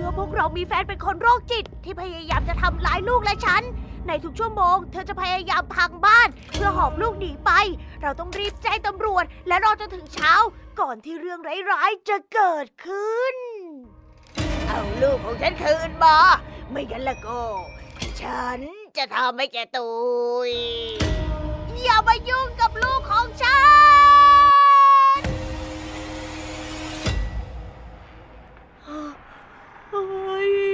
มื่อพวกเรามีแฟนเป็นคนโรคจิตที่พยายามจะทำร้ายลูกและฉัน ในทุกชั่วโมงเธอจะพยายามพังบ้านเพื่อหอบลูกหนีไป เราต้องรีบแจ้งตำรวจและรอจนถึงเช้าก่อนที่เรื่องร้ายๆจะเกิดขึ้น เอาลูกของฉันคืนมา ไม่งั้นละก็ ฉันจะทำให้แกตุยอย่ามายุ่งกับลูกของฉัน เฮ้ย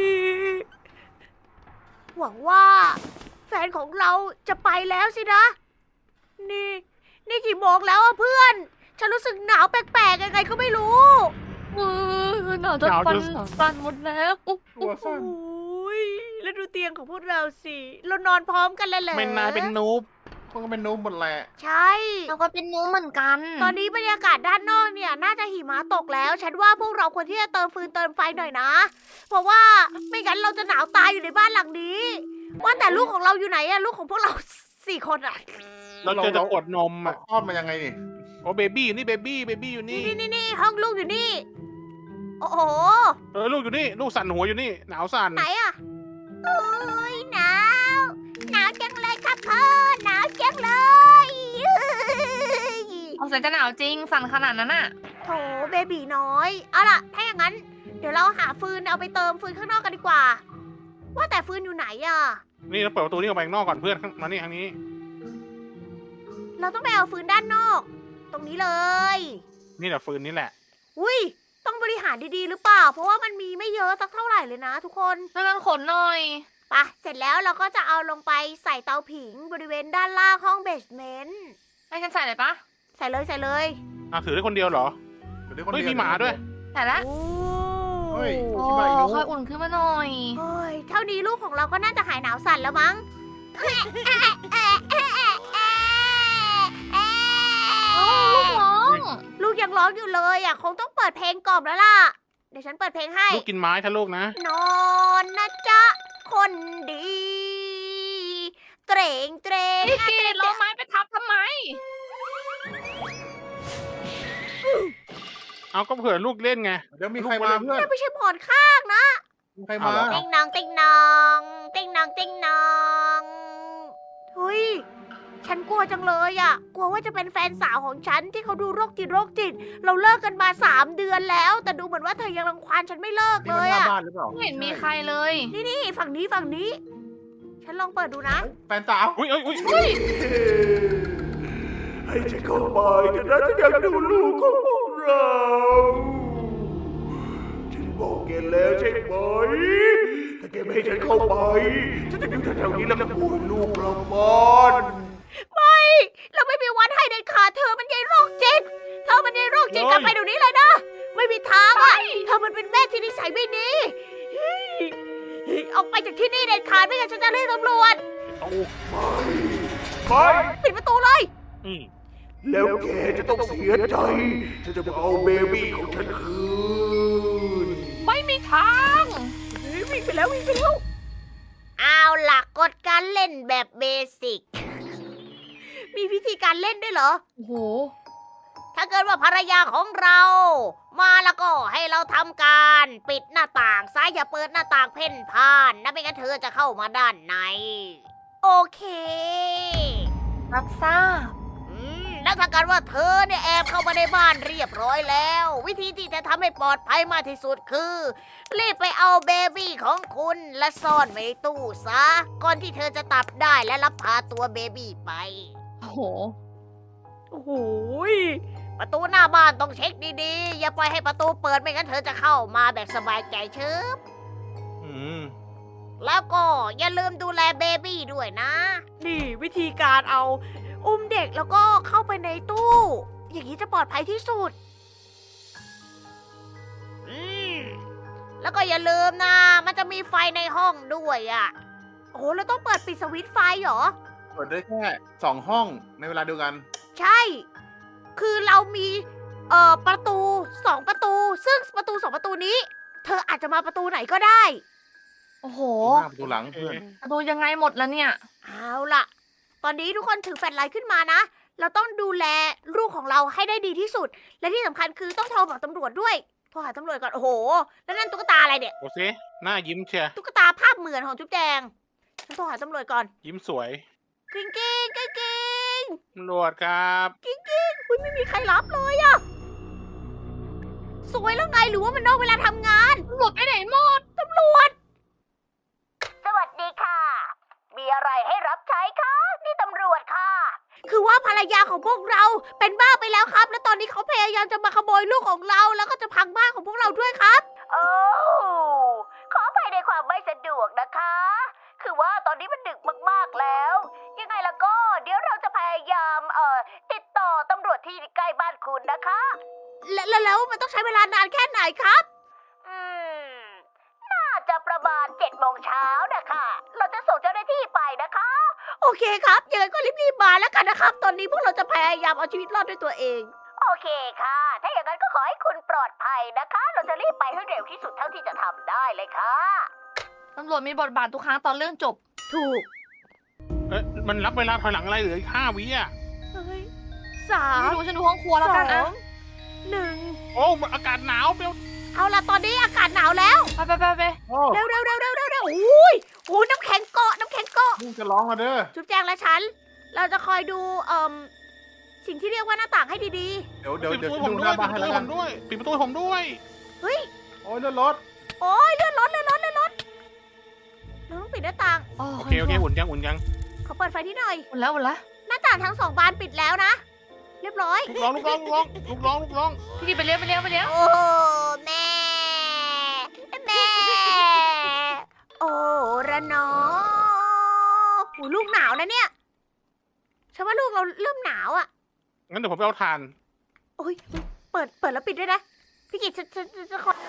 หวังว่าแฟนของเราจะไปแล้วสินะ นี่กี่โมงแล้วอะเพื่อน ฉันรู้สึกหนาวแปลกๆยังไงก็ไม่รู้หนาวจนฟันสั่นหมดแล้วตัวสั้นโอ้ยแล้วดูเตียงของพวกเราสิ เรานอนพร้อมกันเลยเหรอไม่นายเป็นนูบพวกก็เป็นนูบหมดแหละใช่เราก็เป็นนู้เหมือนกันตอนนี้บรรยากาศด้านนอกเนี่ยน่าจะหิมะตกแล้ว ฉันว่าพวกเราควรที่จะเติมฟืนเติมไฟหน่อยนะ เพราะว่าไม่งั้นเราจะหนาวตายอยู่ในบ้านหลังนี้ ว่าแต่ลูกของเราอยู่ไหนอะลูกของพวกเรา 4 คนอะเราเจอจะกดนมมาอ่ะคลอดมายังไงนี่โอ้เบบี้อยู่นี่เบบี้อยู่นี่นี่ห้องลูกอยู่นี่ โอ้โหลูกอยู่นี่ลูกสั่นหัวอยู่นี่หนาวสั่นไหนอะโอ้ยหนาวจังเลยครับพ่อหนาวจังเลยเอาเสียจะหนาวจริง สั่นขนาดนั้นน่ะโถเบบีน้อย เอาล่ะ ถ้าอย่างนั้น เดี๋ยวเราหาฟืนเอาไปเติมฟืนข้างนอกกันดีกว่า ว่าแต่ฟืนอยู่ไหนอะนี่เราเปิดประตูนี่ออกไปข้างนอกก่อนเพื่อนมานี่ทางนี้เราต้องไปเอาฟืนด้านนอก ตรงนี้เลยนี่แหละฟืนนี่แหละอุ้ย ต้องบริหารดีๆหรือเปล่า เพราะว่ามันมีไม่เยอะสักเท่าไหร่เลยนะทุกคนช่วยกันขนหน่อยไปะเสร็จแล้วเราก็จะเอาลงไปใส่เตาผิงบริเวณด้านล่างห้องเบสเมนต์ให้ฉันใส่เลยปะใส่เลยใส่เลยถือได้คนเดียวเหรอดี๋วคนเฮ้ยดีมีหมาด้วยใส่ละโอ้เฮ้ยโอ้ชิบะอีกค่อยอุ่นขึ้นมาหน่อยโอ้ยเท่านี้ลูกของเราก็น่าจะหายหนาวสั่นแล้วมั้งลูกร้องลูกยังร้องอยู่เลยอ่ะคงต้องเปิดเพลงกล่อมแล้วล่ะ เดี๋ยวฉันเปิดเพลงให้ลูกกินไม้ถ้าลูกนะนอนนะจ๊ะ คนดี เตรงเตรงพี่กีดเราไม้ไปทับทำไมเอาก็เผื่อลูกเล่นไงเดี๋ยวมีใครมาเพื่อนนั่นไม่ใช่หมอนข้างนะมีใครมาเอาเหรอติ๊งนองติ๊งนองติ๊งนองติ๊งนองเฮ้ย ฉันกลัวจังเลยอ่ะ กลัวว่าจะเป็นแฟนสาวของฉันที่เขาดูโรคจิต เราเลิกกันมา3 เดือนแล้ว แต่ดูเหมือนว่าเธอยังรังควานฉันไม่เลิกนี่เลมันยหน้าอ่ะบ้านหรือเปล่าไม่เห็นมีใครเลยนี่ฝั่งนี้ ฉันลองเปิดดูนะแฟนสาวอุ้ยให้ฉันเข้าไปแต่นะฉันอยากดูลูกของพวกเรา ฉันบอกแกแล้วใช่ไหม ถ้าแกไม่ให้ฉันเข้าไป ฉันจะอยู่แถวๆนี้แล้วก็ป่วยลูกเราบ้านไม่เราไม่มีวันให้เด็ดขาดเธอมันยายโรคจิต เธอมันยายโรคจิตกลับไปเดี๋ยวนี้เลยนะ ไม่มีทางอ่ะ เธอมันเป็นแม่ที่นิสัยไม่ดีเฮ้ยออกไปจากที่นี่เด็ดขาดไม่งั้นฉันจะเรียกตำรวจไปปิดประตูเลยอืมแล้วแกจะต้องเสียใจ ฉันจะมาเอาเบบี้ของฉันคืนไม่มีทางวิ่งไปแล้ว เอาล่ะกฎการเล่นแบบเบสิก มีวิธีการเล่นด้วยเหรอโอ้โหถ้าเกิดว่าภรรยาของเรา มาแล้วก็ให้เราทำการปิดหน้าต่างซ้ายอย่าเปิดหน้าต่างเพ่นพ่านนะไม่งั้นเธอจะเข้ามาด้านใน โอเครับทราบแล้วถ้าเกิดว่าเธอเนี่ยแอบเข้ามาในบ้านเรียบร้อยแล้ว วิธีที่จะทำให้ปลอดภัยมากที่สุดคือ รีบไปเอาเบบี้ของคุณและซ่อนไว้ในตู้ซะ ก่อนที่เธอจะตับได้และรับพาตัวเบบี้ไปโอ้โหโอ้โหยประตูหน้าบ้านต้องเช็คดีๆ อย่าปล่อยให้ประตูเปิดไม่งั้นเธอจะเข้ามาแบบสบายใจเชิบอืมแล้วก็อย่าลืมดูแลเบบี้ด้วยนะ นี่วิธีการเอาอุ้มเด็กแล้วก็เข้าไปในตู้ อย่างนี้จะปลอดภัยที่สุด แล้วก็อย่าลืมนะ มันจะมีไฟในห้องด้วยอ่ะ โอ้โหเราต้องเปิดปิดสวิตช์ไฟเหรอเปิดได้แค่2 ห้องในเวลาเดียวกันใช่ คือเรามีประตู2 ประตู ซึ่งประตู2 ประตูนี้ เธออาจจะมาประตูไหนก็ได้โอ้โหหน้าประตูหลังเพื่อนดูยังไงหมดแล้วเนี่ยเอาล่ะ ตอนนี้ทุกคนถือแฟลชไลท์ขึ้นมานะ เราต้องดูแลลูกของเราให้ได้ดีที่สุด และที่สำคัญคือต้องโทรบอกตำรวจด้วยโทรหาตำรวจก่อน โอ้โห แล้วนั่นตุ๊กตาอะไรเนี่ยโอเคหน้ายิ้มเชียร์ตุ๊กตาภาพเหมือนของจุ๊บแจง ฉันโทรหาตำรวจก่อนยิ้มสวยกิ้งกิ้งกิ้งกิ้งตำรวจครับกิ้งกิ้งอุ๊ยไม่มีใครรับเลยอะสวยแล้วไงหรือว่ามันนอกเวลาทำงานหลุดไปไหนหมดตำรวจ สวัสดีค่ะ มีอะไรให้รับใช้คะนี่ตำรวจค่ะ คือว่าภรรยาของพวกเราเป็นบ้าไปแล้วครับ และตอนนี้เขาพยายามจะมาขโมยลูกของเรา แล้วก็จะพังบ้านของพวกเราด้วยครับโอ้ขออภัยในความไม่สะดวกนะคะ คือว่าตอนนี้มันดึกมากๆแล้ว ยังไงล่ะก็เดี๋ยวเราจะพยายามติดต่อตำรวจที่ใกล้บ้านคุณนะคะ แล้วมันต้องใช้เวลานานแค่ไหนครับน่าจะประมาณ7 โมงเช้านะคะ เราจะส่งเจ้าหน้าที่ไปนะคะ โอเคครับยังไงก็รีบๆมาแล้วกันนะครับ ตอนนี้พวกเราจะพยายามเอาชีวิตรอดด้วยตัวเอง โอเคค่ะ ถ้าอย่างนั้นก็ขอให้คุณปลอดภัยนะคะ เราจะรีบไปให้เร็วที่สุดเท่าที่จะทำได้เลยค่ะตำรวจมีบทบาททุกครั้งตอนเรื่องจบถูกมันรับเวลาถอยหลังอะไรเหลืออีก5 วิอ่ะเฮ้ยสาไม่มรู้ฉันดูห้องครัวแล้วกันสนะองหนึ่งโอ้อากาศหนาวเปรี้ยวเอาล่ะตอนนี้อากาศหนาวแล้วไปโอ้เร็วอุ้ยโอ้ยน้ำแข็งเกาะน้ำแข็งเกาะมึงจะร้องมาเด้อจุ๊บแจงและฉัน เราจะคอยดูสิ่งที่เรียกว่าหน้าต่างให้ดีเดี๋ยวปิดประตูดูผมหด้วน้าย บ้านให้ปิดประแล้วตูกัผนมด้วยปิดประตูผมด้วยๆ เฮ้ยโอ้ยเลื่อนรถโอ้ยเลื่อนรถเราต้องปิดหน้าต่างโอเคอุ่นยังขอเปิดไฟที่หน่อยหมดแล้วหน้าต่างทั้ง2 บานปิดแล้วนะ เรียบร้อยลูกร้องพี่กินไปเลี้ยวโอ้แม่โอ้ระนอโอ้ลูกหนาวนะเนี่ยฉันว่าลูกเราเริ่มหนาวอ่ะงั้นเดี๋ยวผมไปเอาถ่านโอ้ยเปิดแล้วปิดด้วยนะพี่กิจจะขอ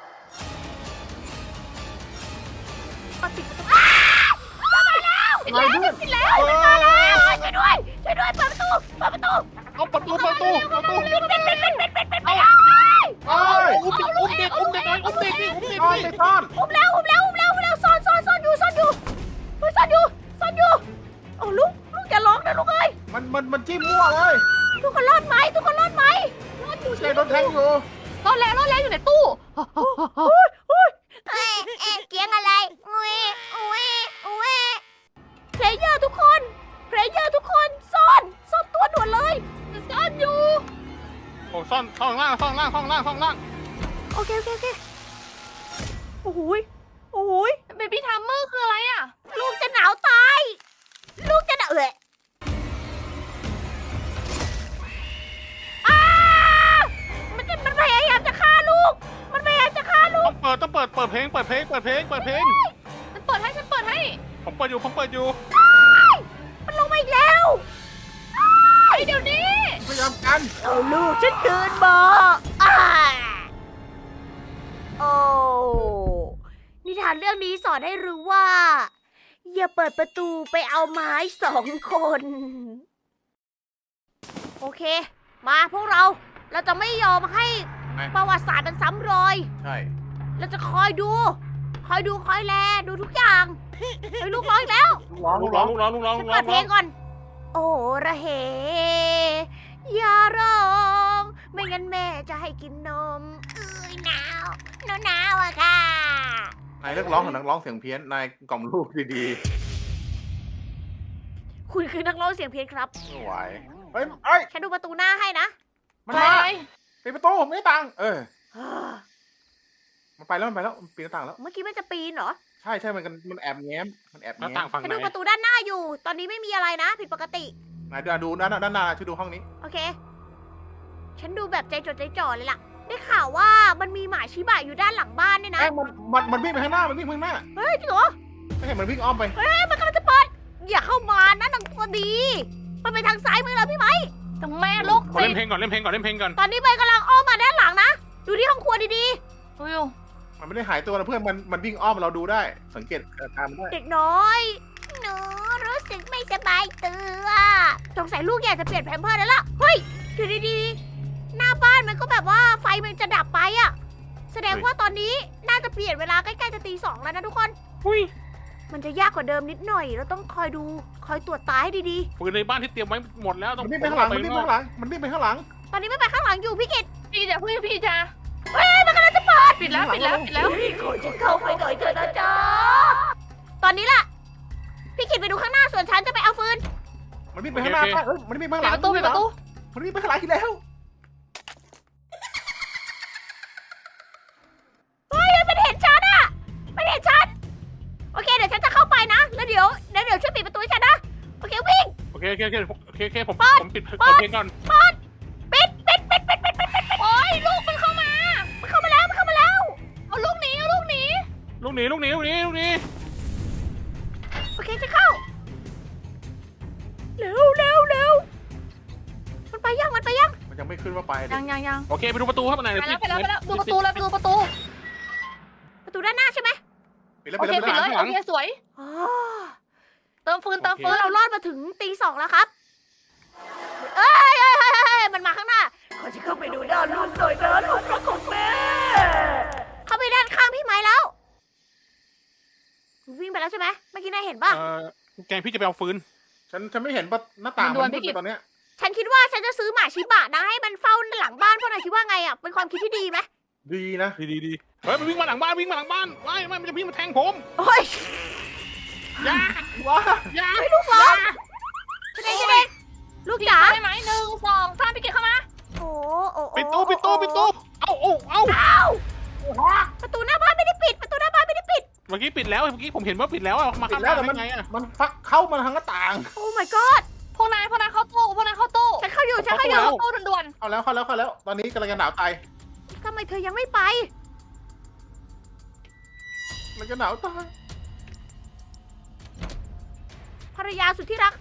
ปิดประตูมาแล้วปิดแล้วปิดแล้วมาแล้วช่วยด้วยเปิดประตูเอาประตูปิดไปแล้วโอ้ยอุ้มเด็กหน่อยอุ้มเด็กดิซ่อนไปซ่อนอุ้มแล้วซ่อนอยู่โอ้ลูกอย่าร้องนะลูกเอ้ยมันจิ้มมั่วเลยทุกคนรอดไหมรอดอยู่ใช่รถแทงอยู่รอดแล้วอยู่ในตู้เกียงอะไรอุ้ยเพลเยอร์ทุกคนซ่อนตัวด่วนเลยซ่อนอยู่โอ้ซ่องล่างโอเคโอ้โหยเบบี้ทัมเมอร์คืออะไรอ่ะลูกจะหนาวตายลูกจะหนาวมันพยายามจะฆ่าลูกต้องเปิดเพลงฉันเปิดให้ผมเปิดอยู่มันลงมาอีกแล้วเดี๋ยวนี้พยายามกันเอาลูกฉันคืนมาโอ้นิทานเรื่องนี้สอนให้รู้ว่า อย่าเปิดประตูไปเอาไม้2 คน โอเค มาพวกเราจะไม่ยอมให้ประวัติศาสตร์มันซ้ำรอยใช่เราจะคอยดูคอยแลดูทุกอย่างเฮ้ยลูกร้องอีกแล้วลูกร้องฉันเปิดเพลงก่อน โอ้ระเหอย่าร้อง ไม่งั้นแม่จะให้กินนมหนาวอะค่ะนายเลิกร้องของนักร้องเสียงเพี้ยนนายกล่อมลูกดีคุณคือนักร้องเสียงเพี้ยนครับๆไม่ไหวเฮ้ยฉันดูประตูหน้าให้นะมันไปมาปิดประตูผมไม่ได้ตังค์มันไปแล้วมันปีนหน้าต่างแล้วเมื่อกี้มันจะปีนเหรอใช่มันแอบแง้มหน้าต่างฝั่งฉันไหนดูประตูด้านหน้าอยู่ ตอนนี้ไม่มีอะไรนะ ผิดปกตินายดูด้านหน้าช่วยดูห้องนี้โอเค ฉันดูแบบใจจดใจจ่อเลยล่ะ ได้ข่าวว่ามันมีหมาชิบะอยู่ด้านหลังบ้านเนี่ยนะมันวิ่งไปข้างหน้ามันวิ่งไปข้างหน้าเฮ้ยจริงเหรอไม่เห็นมันวิ่งอ้อมไปมันกำลังจะเปิด อย่าเข้ามานะนางตัวดี มันไปทางซ้ายมือเราพี่ไหมแต่แม่ลูกขอเล่นเพลงก่อนตอนนี้ใบกำลังอ้อมมาด้านหลังนะ ดูที่ห้องครัวดีดูมันไม่ได้หายตัวนะเพื่อนมันวิ่งอ้อมเราดูได้ สังเกตอาการมันได้ๆ เด็กน้อย หนูรู้สึกไม่สบายตัวสงสัยลูกอยากจะเปลี่ยนแพมเพิร์สแล้วล่ะ เฮ้ยดูดีๆ หน้าบ้านมันก็แบบว่าไฟมันจะดับไปอะแสดงว่าตอนนี้น่าจะเปลี่ยนเวลาใกล้ๆจะตี 2แล้วนะทุกคนอุ้ยมันจะยากกว่าเดิมนิดหน่อย เราต้องคอยดู คอยตรวจตาให้ดีปืนในบ้านที่เตรียมไว้หมดแล้วต้องมันวิ่งไปข้างหลัง มันวิ่งไปข้างหลังๆ ตอนนี้ไม่ไปข้างหลังอยู่พี่กิตพี่จะพึ่งพี่จะมันกปิดแล้วปิดแล้วปิดแล้วขอฉันเข้าไปหน่อยเถอะนะจ๊ะตอนนี้ล่ะ พี่กิดไปดูข้างหน้าส่วนฉันจะไปเอาฟืนมันวิ่งไปข้างหน้าป่ะเอ้ยมันวิ่งไปข้างหปิลัดงประตูปิดประตูมันวิ่งไปข้างหลังอีกแล้วเฮ้ยมันเห็นฉันอะมันเห็นฉัน โอเคเดี๋ยวฉันจะเข้าไปนะ แล้วเดี๋ยวช่วยปิดประตูให้ฉันนะ โอเควิ่งโอเคผมเปิดปิดเปิดเพลงก่อนปิดโอ้ยลูกมันเข้ามามันเข้ามาแล้วเอาลูกหนีเอาลูกหนีลูกหนีโอเคจะเข้า เร็วมันไปยังมันยังไม่ขึ้นว่าไปเลยยังโอเคไปดูประตูครับไหนไปแล้วดูประตูเลยไปดูประตูประตูด้านหน้าใช่ไหมปิดแล้วโอปิดเคแล้วปิดเลยโอเคสวยอ๋อเติมฟืนเติมฟืเรานรอดมาถึงตีสองแล้วครับ เอ้ยมันมาข้างหน้า ขอจะเข้าไปดูด้านลูกหน่อยนะลูกรักของแม่ เข้าไปด้านข้างพี่ไม้แล้ววิ่งไปแล้วใช่ไหมเมื่อกี้นายเห็นป่ะแกงพี่จะไปเอาฟืนฉันไม่เห็นประหน้าต่างมันมืดเลยตอนเนี้ยฉันคิดว่าฉันจะซื้อหมาชิบะนะให้มันเฝ้าหลังบ้านพวกนายคิดว่าไงอ่ะ เป็นความคิดที่ดีไหมดีนะดีเฮ้ยมันวิ่งมาหลังบ้านไม่มันจะวิ่งมาแทงผมโอ้ยอย่าว้าอย่าลูกเหรอจะได้ลูกจ๋าได้ไหม1 2 3พี่เกดเข้ามาโอ้ปิดตู้เอาประตูหน้าบ้านไม่ได้ปิด เเมื่อกี้ปิดแล้วเมื่อกี้ผมเห็นว่าปิดแล้วมาปิข้าดงแล้วล่างแต่ได้ไงอ่ะมันฟักเข้ามาทางหน้าต่างโอ้ my god พวกนายเข้าตู้ฉันเข้าอยู่เข้าตู้ด่วนเข้าแล้ว ตอนนี้กำลังจะหนาวตายทำไมเธอยังไม่ไปมันจะหนาวตายภรรยาสุดที่รัก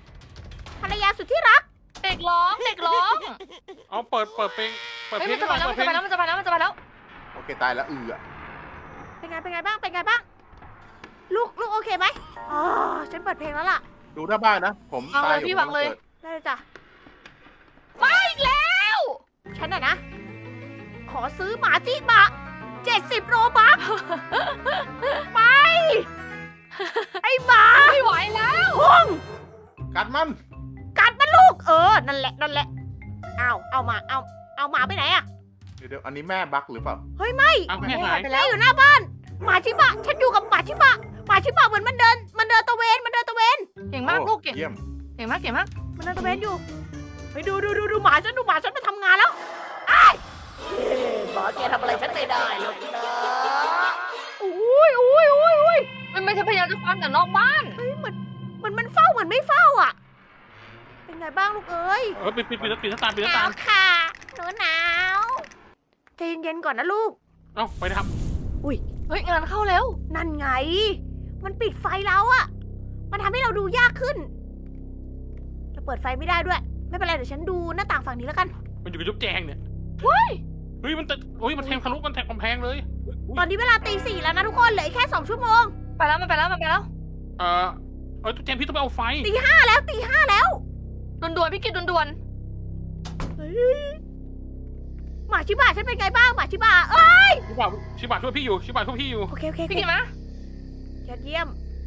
ๆเด็กร้องเอาเปิดเพลงเฮ้ยมันจะไปแล้วโอเคตายแล้วอะเป็นไงบ้าง ลูกโอเคไหมอ๋อ ฉันเปิดเพลงแล้วล่ะดูหน้าบ้านนะ ผมตายอยู่พี่วางเลยได้เลยจ้ะไม่แล้วฉันน่ะนะ ขอซื้อหมาจิบะ70 โรบัค ไป ไอ้หมาไม่ไหวแล้วพุ่งกัดมันกัดมันลูก นั่นแหละ เอาหมาไปไหนอะเดี๋ยวอันนี้แม่บักหรือเปล่าเฮ้ยไม่เอาแม่หายไปแม่แล้วอยู่หน้าบ้าน หมาชิบะ ฉันอยู่กับหมาชิบะเหมือนมันเดินตะเวนเก่งมากลูกเก่งเยี่ยมมากมันเดินตะเวนอยู่ไปดูหมาฉันมาทำงานแล้วอ้ายหมาแกทำอะไรฉันไม่ได้หรอกนะอุ้ยมันไม่ใช่พยายามจะฟันแต่นอกบ้านเฮ้ยเหมือนมันเฝ้าเหมือนไม่เฝ้าอ่ะ เป็นไงบ้างลูกเอ้ยปิดหน้าต่างหนาวค่ะหนูหนาวใจเย็นๆก่อนนะลูกเอาไปทเฮ้ยงานเข้าแล้วนั่นไง มันปิดไฟแล้วอะมันทำให้เราดูยากขึ้นเราเปิดไฟไม่ได้ด้วย ไม่เป็นไรเดี๋ยวฉันดูหน้าต่างฝั่งนี้แล้วกันมันอยู่กับจุ๊บแจงเนี่ยเฮ้ยเฮ้ยมันแทงทะลุมันแทงกำแพงเลยตอนนี้เวลาตี 4แล้วนะทุกคนเหลืออีกแค่2 ชั่วโมงมันไปแล้วจุ๊บแจงพี่ต้องไปเอาไฟตี 5แล้วด่วนพี่กิดด่วนเฮ้ยหมาชิบะฉันเป็นไงบ้างหมาชิบะเอ้ยชิบะช่วยพี่อยู่โอเคพี่กิดมายอดเยี่ยม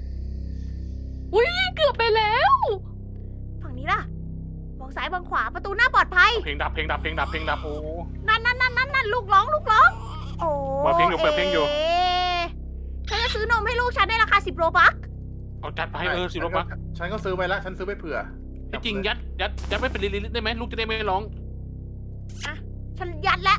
เกือบไปแล้วฝั่งนี้ล่ะ มองซ้ายมองขวาประตูหน้าปลอดภัยเพลงดับโอ้นั่นลูกร้อง โอ้เปิดเพลงอยู่ฉันจะซื้อนมให้ลูกฉันได้ราคา10 โรบัคเอาจัดไปสิรถบักฉันก็ซื้อไปแล้ว ฉันซื้อไปเผื่อที่จริงยัดไม่เป็นลิลิได้ไหมลูกจะได้ไม่ร้องฉันยัดแล้ว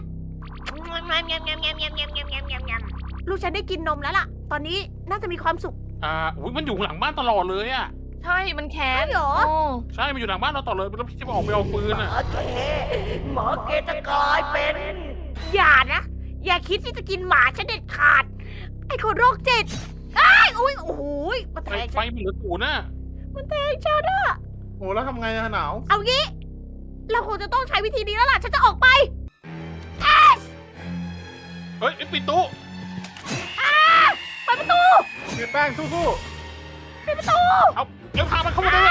ลูกฉันได้กินนมแล้วล่ะ ตอนนี้น่าจะมีความสุขมันอยู่หลังบ้านตลอดเลยอ่ะใช่มันแค้นใช่เหรอใช่มันอยู่หลังบ้านเราตลอดเลยแล้วพี่จะออกไปเอาฟืนอ่ะหมอเกจะกลายเป็น อย่านะ อย่าคิดที่จะกินหมาฉันเด็ดขาด ไอ้คนโรคจิตโอ้โหมันแทงไฟฉันมันเหลือศูนย์น่ะมันแทงฉันอะโอ้แล้วทำไงอะหนาวเอางี้ เราคงจะต้องใช้วิธีนี้แล้วล่ะ ฉันจะออกไปเฮ้ยปิดตู้เปิดประตูเแป้งสู้ปิดประตูเอาเดี๋ยวพามันเข้ามาเลย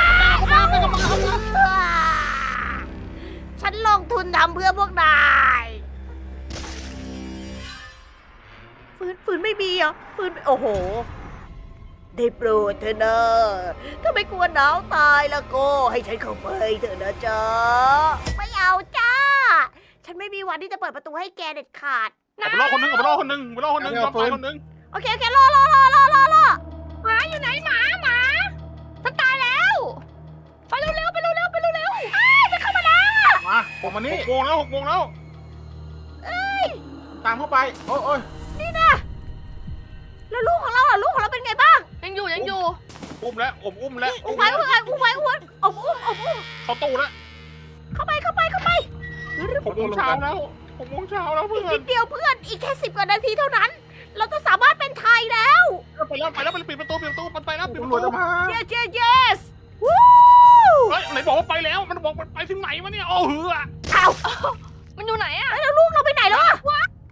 ฉันลงทุนทำเพื่อพวกนาย ฝืนไม่มีเหรอฝืนโอ้โห ได้โปรดเถอะนะถ้าไม่กลัวหนาวตายแล้วก็ให้ฉันเข้าไปเถอะนะจ๊ะ ไม่เอาจ้า ฉันไม่มีวันที่จะเปิดประตูให้แกเด็ดขาดเอาไปล่อคนนึงเอาไปล่อคนนึงไปล่อคนนึงยอมตายคนนึงโอเครอหมาอยู่ไหนหมาฉันตายแล้วไปเร็วจะเข้ามาแล้วมาผมมานี่ 6 โมงแล้ว6 โมงแล้วตามเข้าไปโอ้ยนี่นะแล้วลูกของเราล่ะลูกของเราเป็นไงบ้างยังอยู่อุ้มแล้วผมอุ้มแล้วอุ้มไว้อุ้มเขาตู้แล้วเข้าไป 6 โมงเช้าแล้ว6 โมงเช้าแล้วเพื่อีกอนินดเดียวเพื่อนอีกแค่10 กว่านาทีเท่านั้น เราจะสามารถเป็นไทยแล้วไปแล้วปิดประตูมันไปแล้วปิดประตำรวจตูจะมา yes วู้เฮ้ยไหนบอกว่าไปแล้วมันบอกมันไปถึงไหนวะเนี่ยโอ้เหืออ้าวมันอยู่ไหนอะแล้วลูกเราไปไหนแล้วอะ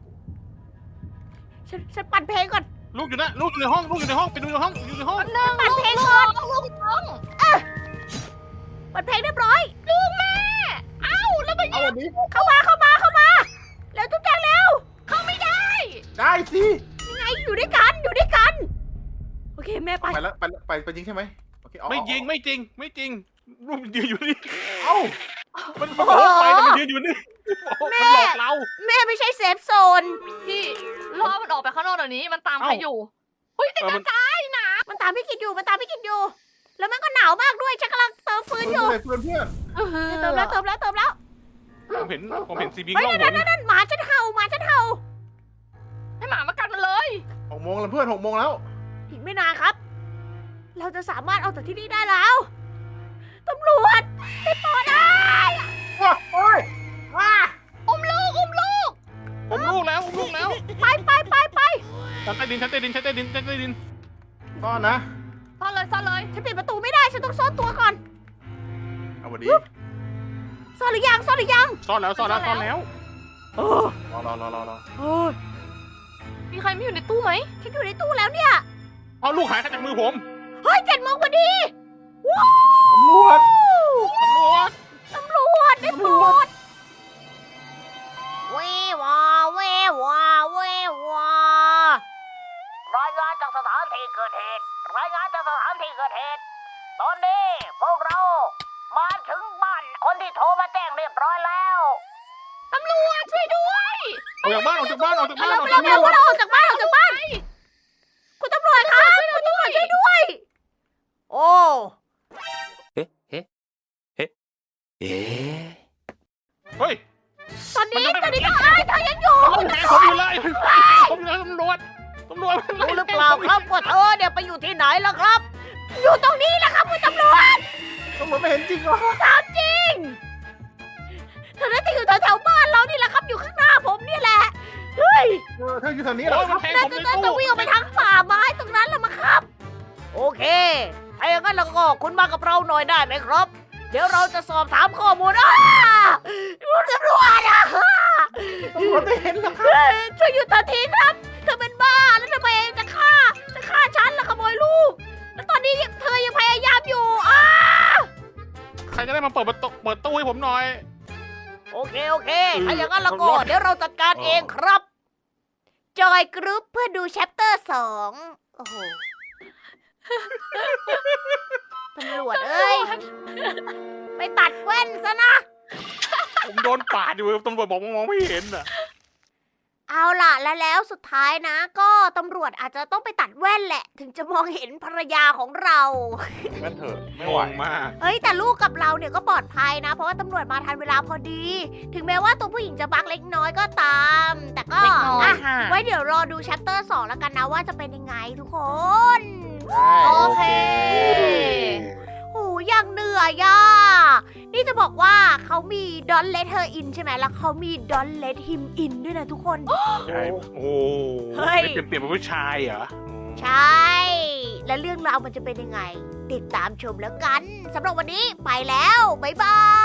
ฉันปั่นเพลงก่อนลูกอยู่นะลูกอยู่ในห้องไปดูในห้องอยู่ในห้องปั่นเพลงก่อนลูกน้องปั่นเพลงเรียบร้อยลูกแม่เอ้าแล้วไปเอาวันนี้เข้ามาแล้วทุกอย่างเร็วเข้าไม่ได้ได้สิยังไงอยู่ด้วยกันโอเคแม่ไปไปแล้วไปยิงใช่ไหมโอเคเอาไม่จริงไม่จริงลูกมันยืนอยู่นี่เอ้ามันบอกว่าไปแต่มันยืนอยู่นี่มันหลอกเราแม่ไม่ใช่เซฟโซนพี่ล่อมันออกไปข้างนอกเดี๋ยวนี้มันตามใครอยู่เฮ้ยแต่กระจายนะมันตามพี่กินอยู่ แล้วมันก็หนาวมากด้วยฉันกำลังเติมฟืนอยู่เพื่อนเติมแล้วผมเห็นซีบีเฮ้ยกล้องผมนั่นหมาฉันเห่าให้หมามากัดมันเลย 6 โมงแล้วเพื่อน6 โมงแล้วอีกไม่นานครับ เราจะสามารถออกจากที่นี่ได้แล้วตำรวจได้โปรดได้โอ้ยว้าอุ้มลูกผมลูกแล้วไปชั้นใต้ดินซ่อนนะซ่อนเลยฉันปิดประตูไม่ได้ฉันต้องซ่อนตัวก่อนเอาวันนี้ซ่อนหรือยังซ่อนแล้วโอ้รอโอ้ยมีใครไม่อยู่ในตู้ไหมฉันอยู่ในตู้แล้วเนี่ยเอาลูกหายจากมือผมเฮ้ย7 โมงพอดีว้าวตำรวจตำรวจได้โปรดเววารายงานจากสถานที่เกิดเหตุ ตอนนี้พวกเรามาถึงบ้านคนที่โทรมาแจ้งเรียบร้อยแล้วตำรวจช่วยด้วยออกจากบ้านเราออกจากบ้านคุณตำรวจครับคุณตำรวจช่วยด้วย โอ้เฮ้ยตอนนี้ต้องเธอยังอยู่ผมอยู่เลยตำรวจรู้หรือเปล่าครับว่าเธอเนี่ยไปอยู่ที่ไหนแล้วครับ อยู่ตรงนี้แหละครับคุณตำรวจไม่เห็นจริงเหรอถามจริงเธอน่าจะอยู่แถวๆบ้านเรานี่แหละครับอยู่ข้างหน้าผมนี่แหละเฮ้ยเธออยู่แถวนี้เหรอโอ้ยมันแทงน่าผมจะในน่าจะตู้วิ่งออกไปทางป่าไม้ตรงนั้นแหละมั้งครับ โอเคถ้าอย่างนั้นเราก็คุณมากับเราหน่อยได้ไหมครับ เดี๋ยวเราจะสอบถามข้อมูลคุณตำรวจอ่ะตำรวจไม่เห็นเหรอครับเฮ้ยช่วยหยุดทันทีครับ เธอเป็นบ้าแล้วทำไมจะฆ่าฉันแล้วขโมยลูก แล้วตอนนี้เธอยังพยายามอยู่ใครจะได้มาเปิดตู้ให้ผมหน่อยโอเคถ้าอย่างนั้นเราก็เดี๋ยวเราจัดการเองครับ จอยกรุ๊ปเพื่อดูแชปเตอร์2โอ้โหตำรวจเอ้ย ไปตัดแว่นซะนะผมโดนปาดอยู่ตำรวจบอกมองไม่เห็นอ่ะเอาล่ะแล้วสุดท้ายนะ ก็ตำรวจอาจจะต้องไปตัดแว่นแหละ ถึงจะมองเห็นภรรยาของเรางั้นเถอะไม่งไหวงมากเฮ้ยแต่ลูกกับเราเนี่ยก็ปลอดภัยนะ เพราะว่าตำรวจมาทันเวลาพอดี ถึงแม้ว่าตัวผู้หญิงจะบักเล็กน้อยก็ตาม แต่ก็เล็กน้อยอ่ะค่ะไว้เดี๋ยวรอดูแชปเตอร์2แล้วกันนะว่าจะเป็นยังไงทุกคนโอเคโอ้ยังเหนื่อยอ่ะนี่จะบอกว่าเขามี Don't Let Her In ใช่ไหมแล้วเขามี Don't Let Him In ด้วยนะทุกคนใช่โอ้เฮ้ยเปลี่ยนเป็นผู้ชายเหรอใช่ และเรื่องราวมันจะเป็นยังไง ติดตามชมแล้วกันสำหรับวันนี้ไปแล้ว บ๊ายบาย